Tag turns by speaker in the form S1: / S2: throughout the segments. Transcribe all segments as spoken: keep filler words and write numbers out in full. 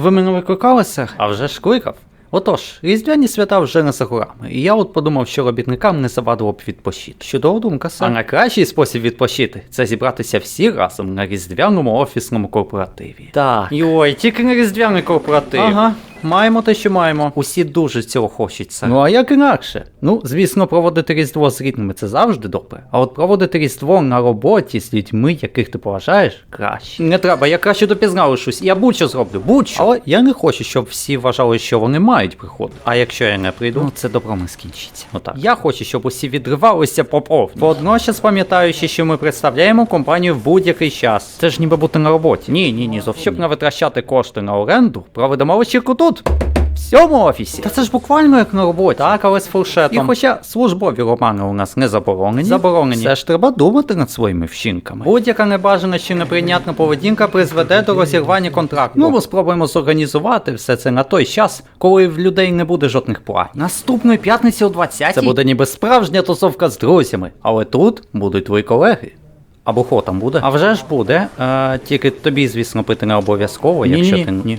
S1: Ви мене викликали, сер? А вже ж кликав. Отож, різдвяні свята вже не за горами, і я от подумав, що робітникам не завадило б відпочити. Чудова думка, сер. А найкращий спосіб відпочити – це зібратися всі разом на різдвяному офісному корпоративі. Так. Йой, тільки на різдвяний корпоратив. Ага. Маємо те, що маємо. Усі дуже цього хочуть, сер. Ну а як інакше? Ну, звісно, проводити Різдво з рідними – це завжди добре. А от проводити Різдво на роботі з людьми, яких ти поважаєш, краще. Не треба, я краще допізна лишусь. Я будь-що зроблю, будь-що. Але я не хочу, щоб всі вважали, що вони мають приходити. А якщо я не прийду, ну це добро не скінчиться. Отак. Я хочу, щоб усі відривалися по повні. Водночас пам'ятаючи, що ми представляємо компанію в будь-який час. Це ж ніби бути на роботі. Ні, ні, ні, зовсім. Щоб не витрачати кошти на оренду, проведемо вечірку тут. В цьому офісі. Та це ж буквально як на роботі. Так, але з фуршетом. І хоча службові романи у нас не заборонені, заборонені, все ж треба думати над своїми вчинками. Будь-яка небажана чи неприйнятна поведінка призведе до розірвання контракту. Ну, ми спробуємо зорганізувати все це на той час, коли в людей не буде жодних планів. Наступної п'ятниці о двадцятій це буде ніби справжня тусовка з друзями, але тут будуть твої колеги. Або хто там буде? А вже ж буде. Е, тільки тобі, звісно, пити не обов'язково, якщо ти... Ні.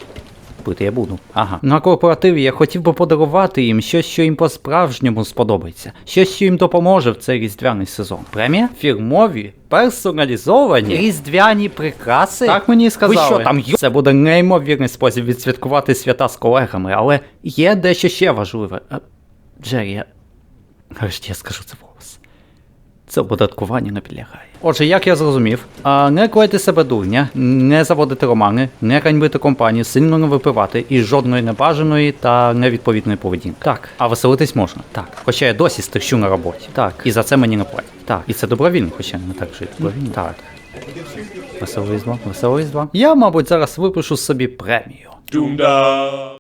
S1: Пити я буду. Ага. На корпоративі я хотів би подарувати їм щось, що їм по-справжньому сподобається. Щось, що їм допоможе в цей різдвяний сезон. Премія? Фірмові, персоналізовані, різдвяні прикраси? Так мені сказали. Ви що там є? Це буде неймовірний спосіб відсвяткувати свята з колегами, але є дещо ще важливе. Джері, я... Нарешті я скажу це голос. Це оподаткування не підлягає. Отже, як я зрозумів, а не клеїти себе дурня, не заводити романи, не ганьбити компанію, сильно не випивати і жодної небажаної та невідповідної поведінки. Так. А веселитись можна. Так. Хоча я досі стерчу на роботі. Так. І за це мені не платять. Так. І це добровільно, хоча не так жити. Добровільно. Так. Весело різдво, весело різдво. Я, мабуть, зараз випишу собі премію.